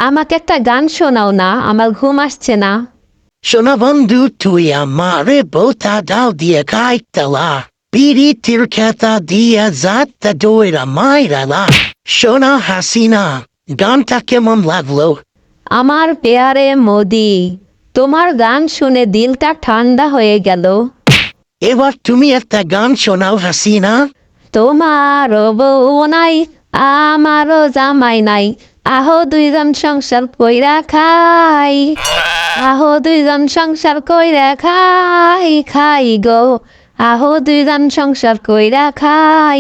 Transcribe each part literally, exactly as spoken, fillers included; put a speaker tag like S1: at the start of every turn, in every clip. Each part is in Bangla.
S1: আমাকে একটা গান শোনাও না, আমার ঘুম আসছে না।
S2: শোনা বন্ধু, তুই আমারে বোতা ডাল দিয়ে খাইতলা, পিরিতির খেতা দিয়ে যাত্রা দইরা মাইরালা। শোনা হাসিনা, গানটা কেমন লাগলো?
S1: আমার পেয়ারে মোদি, তোমার গান শুনে দিলটা ঠান্ডা হয়ে গেল।
S2: এবার তুমি একটা গান শোনাও হাসিনা।
S1: তোমারও বউ নাই, আমারও জামাই নাই, আহো দুইজন সংসার কইরা খাই, আহো দুইজন সংসার কইরা খাই, খাই গো, আহো দুইজন সংসার কইরা খাই।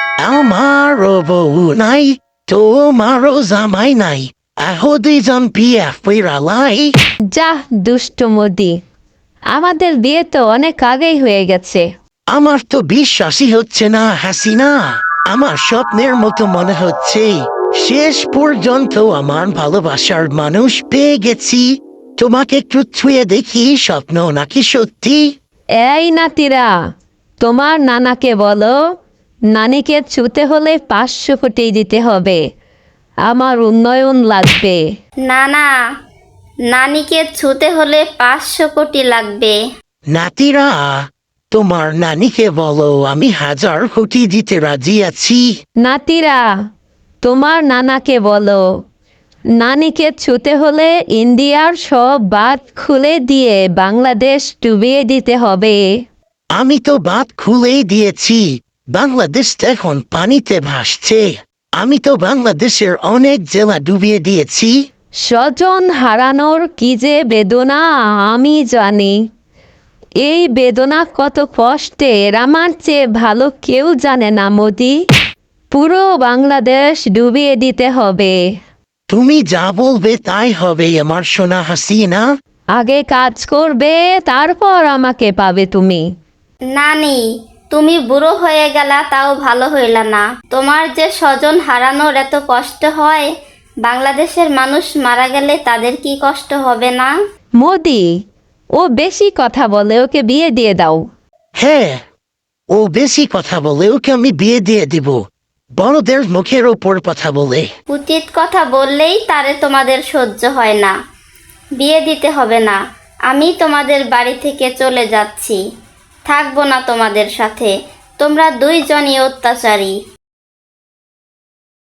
S2: আমারও বউ নাই, তোমারও জামাই নাই, আহো দুইজন বিয়া ফিরালাই।
S1: যা দুষ্ট মোদি, আমাদের বিয়ে তো অনেক আগেই হয়ে গেছে।
S2: আমার তো বিশ্বাসই হচ্ছে না হাসিনা, আমার স্বপ্নের মতো মনে হচ্ছে। শেষ পর্যন্ত আমার ভালোবাসার মানুষ পেয়ে গেছি। তোমাকে একটু ছুঁয়ে দেখি, স্বপ্ন নাকি সত্যি?
S1: এই নাতিরা, তোমার নানাকে বলো, নানিকে ছুতে হলে পাঁচশো কোটি দিতে হবে, আমার উন্নয়ন লাগবে।
S3: না না, নানিকে ছুতে হলে পাঁচশো কোটি লাগবে।
S2: নাতিরা, তোমার নানিকে বলো আমি হাজার কোটি দিতে রাজি আছি।
S1: নাতিরা, তোমার নানাকে বলো, নানিকে ছুতে হলে ইন্ডিয়ার সব বাঁধ খুলে দিয়ে বাংলাদেশ ডুবিয়ে দিতে হবে।
S2: আমি তো বাঁধ খুলেই দিয়েছি, বাংলাদেশ এখন পানিতে ভাসছে। আমি তো বাংলাদেশের অনেক জেলা ডুবিয়ে দিয়েছি।
S1: স্বজন হারানোর কি যে বেদনা আমি জানি। এই বেদনা কত কষ্টের আমার চেয়ে ভালো কেউ জানে না মোদি। পুরো বাংলাদেশ ডুবিয়ে দিতে হবে।
S2: তুমি যা বলবে তাই হবে আমার সোনা হাসিনা।
S1: আগে কাজ করবে, তারপর আমাকে পাবে তুমি।
S3: নানি, তুমি বুড়ো হয়ে গেলা তাও ভালো হইলা না। তোমার যে স্বজন হারানোর এত কষ্ট হয়, বাংলাদেশের মানুষ মারা গেলে তাদের কি কষ্ট হবে না?
S1: মোদি, ও বেশি কথা বলে, ওকে বিয়ে দিয়ে দাও।
S2: হ্যাঁ, ও বেশি কথা বলে, ওকে আমি বিয়ে দিয়ে দিব। বড়দের মুখের ওপর কথা বলে।
S3: উচিত কথা বললেই তারে তোমাদের সহ্য হয় না। বিয়ে দিতে হবে না, আমি তোমাদের বাড়ি থেকে চলে যাচ্ছি, থাকবো না তোমাদের সাথে। তোমরা দুইজনই অত্যাচারী।